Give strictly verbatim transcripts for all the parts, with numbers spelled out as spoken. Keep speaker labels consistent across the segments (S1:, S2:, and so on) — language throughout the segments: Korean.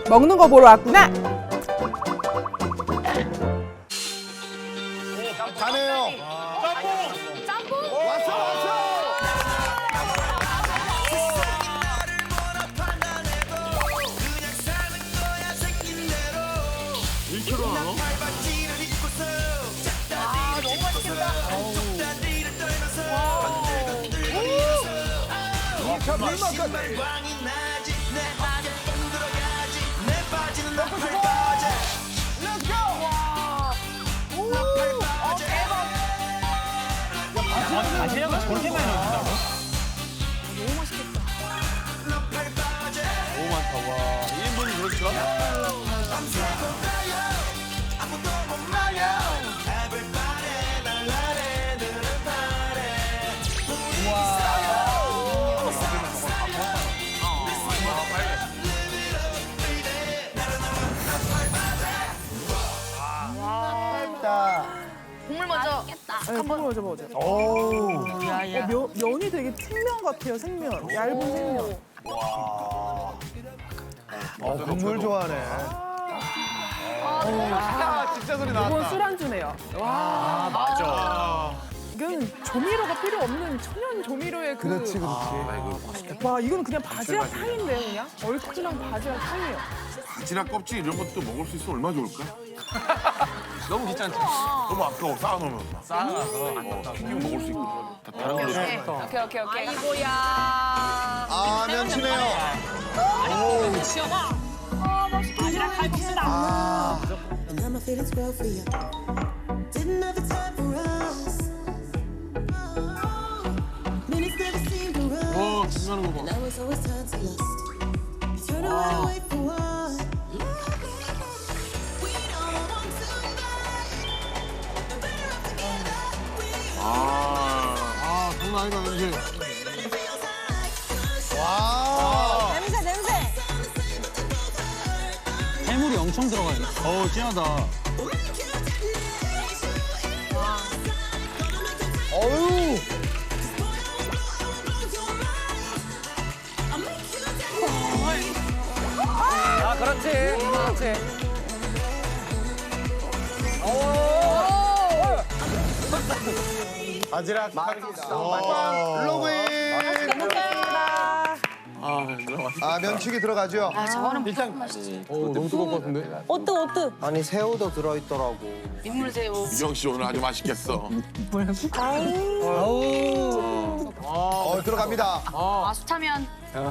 S1: 먹는 거 보러 왔구나.
S2: 가네요.
S3: 짬뽕?
S2: 왔어 왔어.
S4: 일 킬로그램 하나?
S3: 아, 너무 맛있겠다.
S2: 자 물만까지.
S4: 다시락을 저렇게 많이 넣는다고?
S3: 너무 맛있겠다.
S4: 너무 많다, 와. 일 인분이 그렇죠?
S3: 국물 먼저.
S1: 네, 한번 먼저 먹어줘.
S2: 오.
S1: 어, 면, 면이 되게 생면 같아요, 생면. 얇은 생면.
S2: 어 국물 좋아하네.
S4: 아, 진짜 소리 나왔다.
S1: 이건 술안주네요. 와,
S4: 아, 맞아.
S1: 이건 조미료가 필요 없는 천연 조미료의 그.
S2: 그렇지 그렇지.
S1: 와, 이건 그냥 바지락 탕인데요, 그냥? 얼큰한 바지락 탕이에요.
S5: 바지락 껍질 이런 것도 먹을 수 있으면 얼마나 좋을까?
S4: 너무 귀찮지?
S5: 너무 아까워 쌓아놓으면 막.
S4: 쌓아놔서.
S5: 어, 튀기면 먹을 수 있고 다 다른 걸로
S3: 오케이, 오케이, 오케이, 오케이. 아이고야.
S2: 아 면치네요.
S3: 바지락 칼국수다.
S2: 아
S6: And now my feelings grow for you. Didn't have the time for us. Minutes never seemed to run.
S4: 와, 중요한 거 봐.
S6: Now it's always time to lust. You turn around and wait for what? We don't want to die. We're better off together. We
S4: 아, 아, 장난 아니다, 왠지.
S6: feels like
S2: 와.
S3: 냄새, 냄새.
S4: 해물이 엄청 들어가 있네. 어우, 진하다.
S2: 어유.
S4: 아, 그렇지. 그렇지.
S2: 바지락 칼국수. 로그인.
S4: 아, 너무 맛있다.
S2: 아 면치기 들어가죠.
S3: 아, 저거는
S4: 일단, 어, 너무 뜨거울 것 같은데?
S3: 어뜨, 어뜨.
S7: 아니 새우도 들어있더라고.
S3: 민물새우.
S5: 유정 씨 오늘 아주 맛있겠어.
S2: 어 들어갑니다.
S3: 아, 수타면.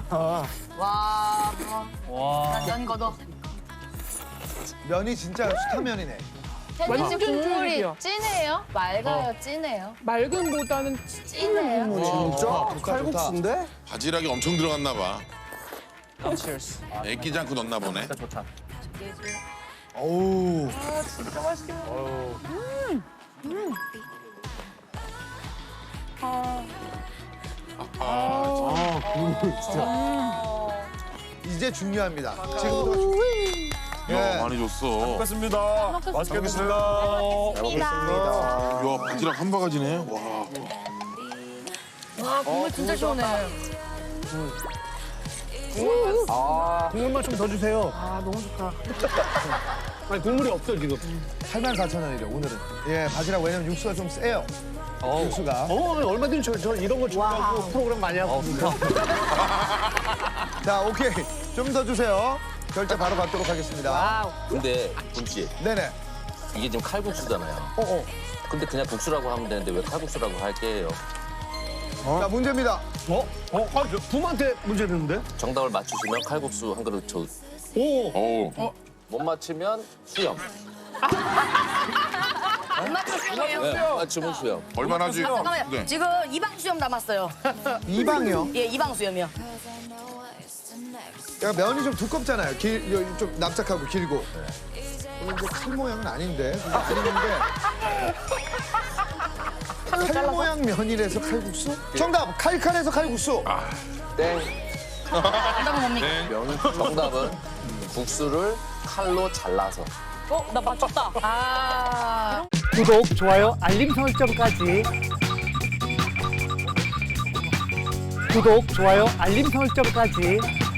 S3: 와, 뭐. 난면 걷어.
S2: 면이 진짜 수타면이네.
S3: 태진 씨
S1: 완전
S3: 국물이
S1: 쫄깃해요.
S3: 진해요? 맑아요, 진해요?
S1: 맑음보다는
S3: 진해요?
S2: 진짜?
S7: 칼국수인데?
S5: 바지락이 엄청 들어갔나 봐. 애끼지 않고 넣나 보네.
S4: 좋다.
S2: 어우.
S4: 아, 국물 진짜.
S2: 이제 중요합니다. 지금부터 중...
S5: 야,
S2: 예.
S5: 많이 줬어.
S4: 먹겠습니다. 맛있게 먹겠습니다.
S5: 야, 바지락 한 바가지네. 와.
S3: 와, 국물 진짜 시원해.
S4: 국물만 좀 더 주세요.
S1: 아, 너무 좋다.
S4: 아니, 국물이 없어, 지금.
S2: 팔만 사천 원이래 오늘은. 예, 바지락 왜냐면 육수가 좀 세요. 육수가.
S4: 어, 얼마든지 저, 저 이런 거 준비하고 프로그램 많이 하고.
S2: 자, 오케이. 좀 더 주세요. 결제 바로 받도록 하겠습니다.
S8: 근데 군씨
S2: 네네.
S8: 이게 지금 칼국수잖아요.
S2: 어, 어.
S8: 근데 그냥 국수라고 하면 되는데 왜 칼국수라고 할게요?
S2: 자, 문제입니다.
S4: 어? 어? 아, 저 부모한테 문제 되는데?
S8: 정답을 맞추시면 칼국수 한 그릇 줘.
S4: 오.
S5: 어우.
S8: 못 맞추면 수염.
S3: 안 맞췄어요.
S8: 네, 맞추면 수염.
S5: 얼마나 하지?
S3: 잠깐만요.
S5: 네.
S3: 지금 이방 수염 남았어요.
S2: 이방이요.
S3: 예, 이방 수염이요.
S2: 야, 면이 좀 두껍잖아요. 길, 요- 좀 납작하고 길고. 오늘 이제 칼 모양은 아닌데. 그게 아닌데. 칼 모양 면이라서 칼국수? 정답! 칼칼해서 칼국수.
S8: 땡.
S3: 정답은 뭡니까?
S8: 정답은 국수를 칼로 잘라서.
S3: 어, 나 맞췄다. 아.
S9: 구독, 좋아요, 알림 설정까지. 구독, 좋아요, 알림 설정까지.